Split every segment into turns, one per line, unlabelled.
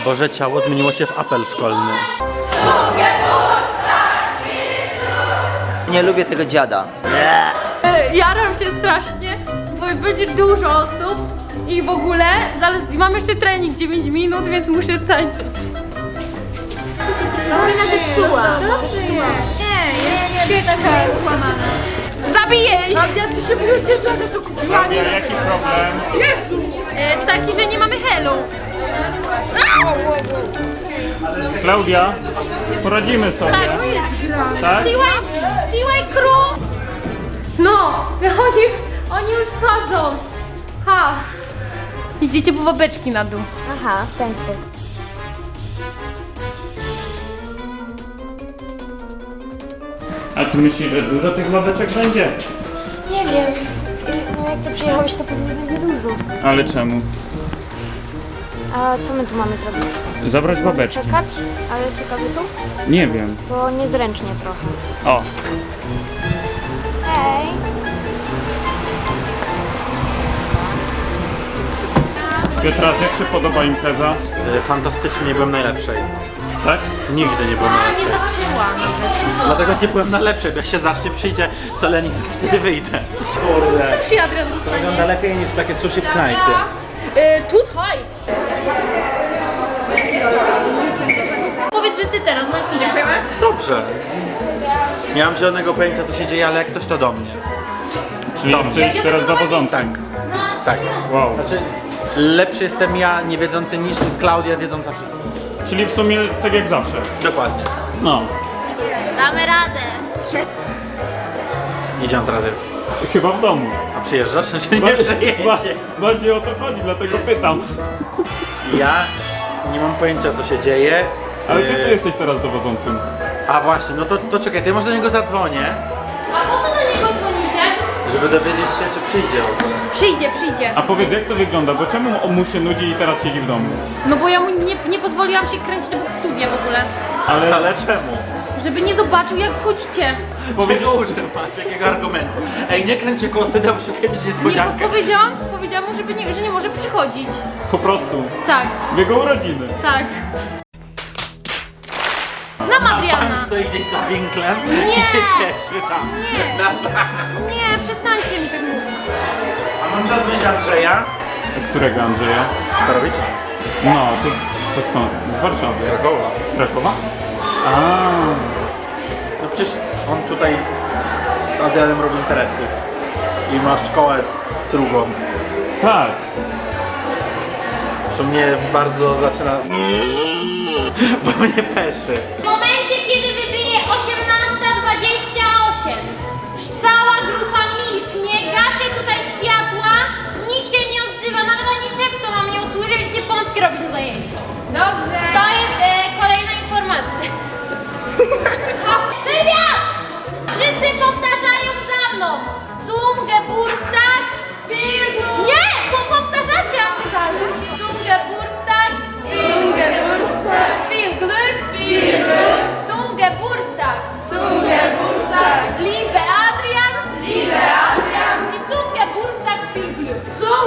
Boże ciało zmieniło się w apel szkolny.
Nie lubię tego dziada.
Jaram się strasznie, bo będzie dużo osób i w ogóle mam jeszcze trening 9 minut, więc muszę tańczyć.
Ona zepsuła. Dobrze jest. Nie, jest świeczka złamana.
Zabiję jej! Ja ty się cieszę, że to kupiłam.
Jaki problem?
Taki, że nie mamy helu.
Klaudia, poradzimy sobie.
Tak.
Tak?
Siłaj crew! No, wychodzi, oni już schodzą. Ha! Idziecie po babeczki na dół.
Aha, w ten sposób.
A ty myślisz, że dużo tych ławeczek będzie?
Nie wiem. No jak to przyjechałeś, to pewnie będzie dużo.
Ale czemu?
A co my tu mamy zrobić?
Zabrać babeczki.
Czekać? Ale czekamy tu?
Nie wiem.
Bo niezręcznie trochę.
O,
Hej.
Piotras, jak się podoba impreza?
Fantastycznie, nie byłem najlepszej.
Tak?
Nigdy nie byłem najlepszej.
Nie zaczęła nawet.
Dlatego nie byłem najlepszej, bo jak się zacznie, przyjdzie Solenik, wtedy wyjdę. Kurde.
Sushi Adrian dostanie.
Wygląda lepiej niż takie sushi w knajpie.
Tutaj! Powiedz, że ty teraz na chwilę. Dziękujemy.
Dobrze. Nie mam żadnego pojęcia, co się dzieje, ale jak ktoś to do mnie.
Czyli jesteś teraz dowodzącym.
Tak.
Wow.
Znaczy, lepszy jestem ja, niewiedzący, niż jest Klaudia, wiedząca wszystko.
Czyli w sumie tak jak zawsze.
Dokładnie.
No.
Damy radę.
Gdzie on teraz jest?
Chyba w domu.
A przyjeżdżasz? Czy nie przyjedzie?
Właśnie o to chodzi, dlatego pytam.
Ja nie mam pojęcia, co się dzieje.
Ale ty jesteś teraz dowodzącym.
A właśnie, no to czekaj, to ja może do niego zadzwonię,
A po co do niego dzwonicie?
żeby dowiedzieć się, czy przyjdzie w ogóle.
Przyjdzie.
A powiedz, jak to wygląda? Bo czemu on mu się nudzi i teraz siedzi w domu?
No bo ja mu nie pozwoliłam się kręcić obok studia w ogóle.
Ale czemu?
Żeby nie zobaczył, jak wchodzicie.
Powiedział, że masz jakiego argumentu. Ej, nie kręć się koło studia, bo szukaj mieć
Nie,
niespodziankę.
powiedziałam mu, że nie może przychodzić.
Po prostu.
Tak,
W jego urodziny.
tak. Znam
Pan
Adriana.
stoi gdzieś za winklem
Nie.
i się cieszy tam.
Nie. Nie, przestańcie mi tak mówić.
A mam zadzwonić do Andrzeja?
Którego Andrzeja?
Starowicza.
No, to skąd? Z Warszawy.
Krakowa.
Z Krakowa? A,
No przecież on tutaj z Adrianem robi interesy. I ma szkołę drugą.
tak.
To mnie bardzo zaczyna... Bo mnie peszy.
W momencie, kiedy wybije 18:28, cała grupa milknie, gaszę tutaj światła, nikt się nie odzywa, nawet ani szeptą mam nie usłyszeć, gdzie pompki robi do zajęcia. Dobrze. To jest kolejna informacja. Sylwia! Wszyscy powtarzają za mną. Zum, Geburtstag, nie! Bo powtarzacie, a nie dalej. Zum, Geburtstag, Viel Glück, Zum Geburtstag, Liebe Adrian, i Zum Geburtstag viel Glück.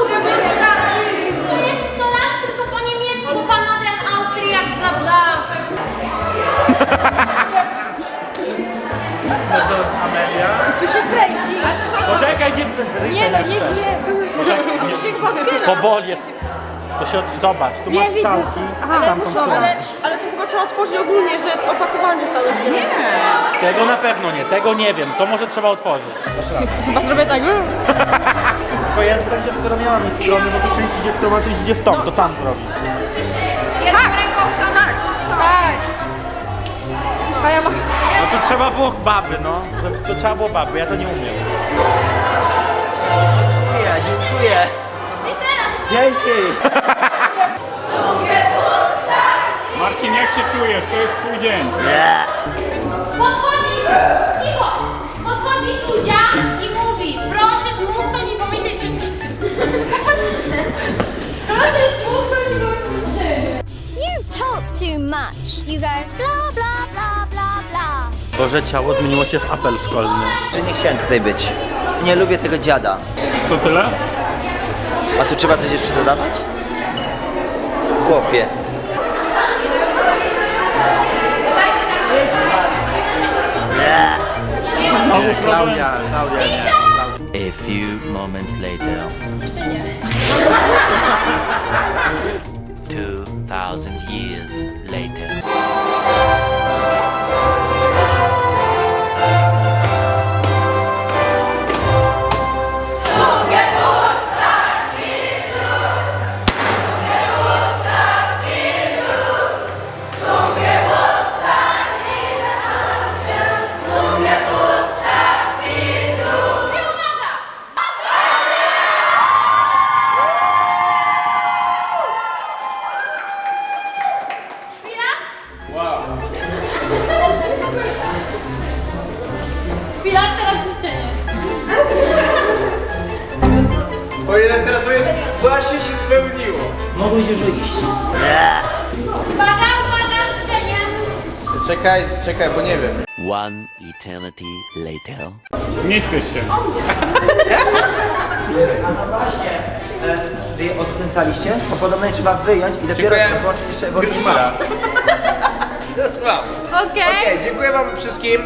To jest 100 lat tylko po niemiecku, pan Adrian Austriak, bla bla.
No to Amelia.
Tu się kręci.
Poczekaj, nie
Tu się otwiera.
Pobol jest. To się zobacz, tu masz strzałki.
Ale
Ale to chyba trzeba otworzyć ogólnie, że opakowanie całe zdjąć.
Tego na pewno nie, tego nie wiem. To może trzeba otworzyć.
Chyba zrobię tak.
Tylko ja tak się to miała mi strony, bo to część idzie w tą, a część idzie w tą. To co mam zrobić?
Jedną ręką w to tak. A ja mam...
No to trzeba było baby, no. To trzeba było baby, ja to nie umiem. Dziękuję. Dzięki.
Marcin, jak się czujesz? To jest twój dzień.
Podchodzi, cicho, podchodzi Zuzia i mówi, proszę zmuknąć i pomyśleć, że... Proszę zmuknąć i pomyśleć,
You talk too much. You go blah blah blah blah blah.
Boże ciało zmieniło się w apel szkolny.
Że nie chciałem tutaj być. Nie lubię tego dziada.
To tyle?
A tu trzeba coś jeszcze dodawać? Chłopie.
Nie, Klaudia nie.
A few moments later.
Jeszcze nie.
2000 years later.
Chwila, teraz życzenie.
Powinienem teraz powiedzieć, właśnie się spełniło.
Mogłeś już iść.
Uwaga, uwaga, życzenie.
Czekaj, bo nie wiem.
One eternity later.
Nie śpiesz się.
A no właśnie, wy odkręcaliście? To podobno je trzeba wyjąć i dopiero
Dziękuję.
zobaczyć jeszcze
Już
ewolucję.
raz.
Okej.
Okej, dziękuję wam wszystkim.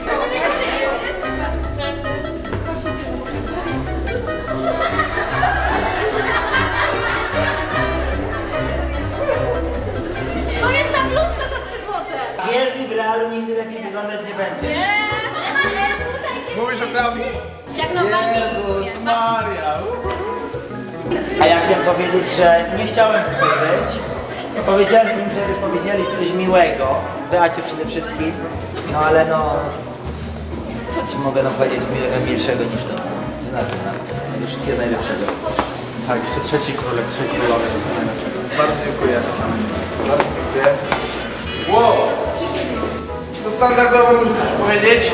To jest ta bluzka za 3 złote.
Wierz mi, w realu nigdy lepiej wyglądać nie będziesz.
Tutaj cię
Mówisz o Klaudii?
jak na walnicy.
Maria.
A ja chciałem powiedzieć, że nie chciałem tutaj być. Powiedziałem im, żeby powiedzieli coś miłego. Beacie przede wszystkim. No ale no... Co ci mogę powiedzieć milszego niż to? Znaczy, no, wszystkiego najlepszego.
Tak, jeszcze trzeci królek, 3 królowie.
Bardzo dziękuję. Bardzo dziękuję. Wow. To standardowo muszę coś powiedzieć.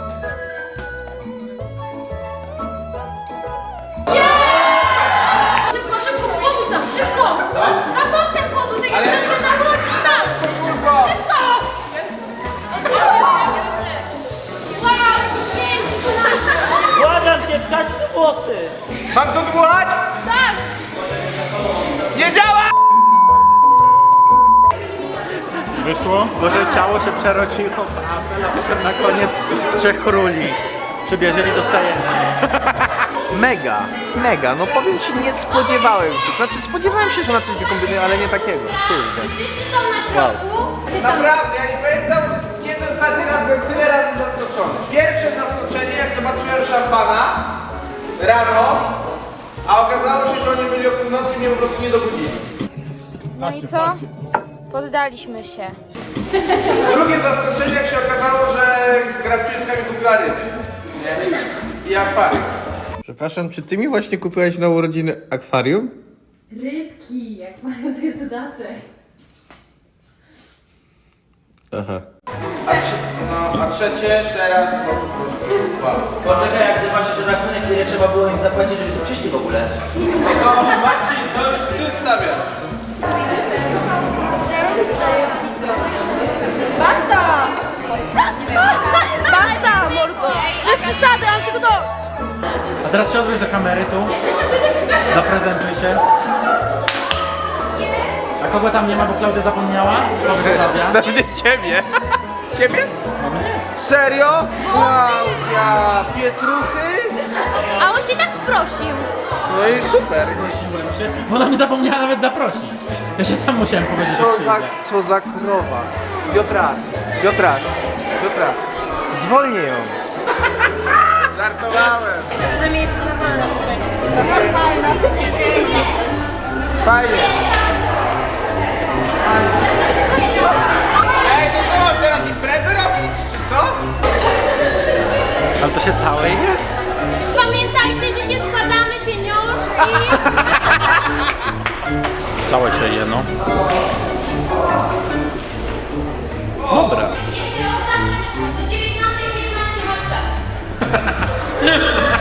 Szybko, szybko, pozuj tam, szybko! Za to ten pozuj, tej
Ale-
się nawróci tam!
Szybko.
Szybko! Wow, piękna!
Błagam cię, wsadź w te włosy!
Mam to dmuchać?
Tak!
Nie działa!
Wyszło?
Może ciało się przerodziło w apel, a potem na koniec w 3 króli. Przybierzeli dostajemy.
Mega, no powiem ci, nie spodziewałem się. Znaczy spodziewałem się, że na coś wykombinuję, ale nie takiego. Kurde.
Wszyscy są na środku. Czy tam-
Naprawdę, ja nie pamiętam, kiedy ostatni raz byłem tyle razy zaskoczony. Pierwsze zaskoczenie, jak zobaczyłem szampana rano, a okazało się, że oni byli o północy i mnie po prostu nie dobudzili.
No i co?
Poddaliśmy się.
Drugie zaskoczenie, jak się okazało, że graficzka mi kupiła ryby. Nie? I akwarium. Przepraszam, czy ty mi właśnie kupiłeś na urodziny akwarium?
Rybki, jak mają to jest dodatek.
Aha. A trzecie teraz po prostu wow.
Poczekaj, jak zobaczysz, że rachunek, ile trzeba było im zapłacić, żeby tu przyszli w ogóle.
No Marcin, no już ty stawiasz.
Basta! Basta, mordo! To jest przesada, mam tego dość!
A teraz się odwróć do kamery tu. Zaprezentuj się. A kogo tam nie ma, bo Klaudia zapomniała? Powiedz Klaudia.
Pewnie ciebie. Ciebie? Serio? Klaudia, Pietruchy?
A on się tak prosił.
No i super.
Prosiłem się, bo ona mi zapomniała nawet zaprosić. Ja się sam musiałem powiedzieć, że przyjdę.
Co za krowa. Piotras. Zwolnię ją. Żartowałem.
Tam jest normalne.
Fajnie. Ej, to co, mam teraz imprezę robić, czy co?
Ale to się całe je?
Pamiętajcie, że się składamy pieniążki.
Całe się je, no. Dobra.
Jeszcze ostatnia, do 19:15 masz czas.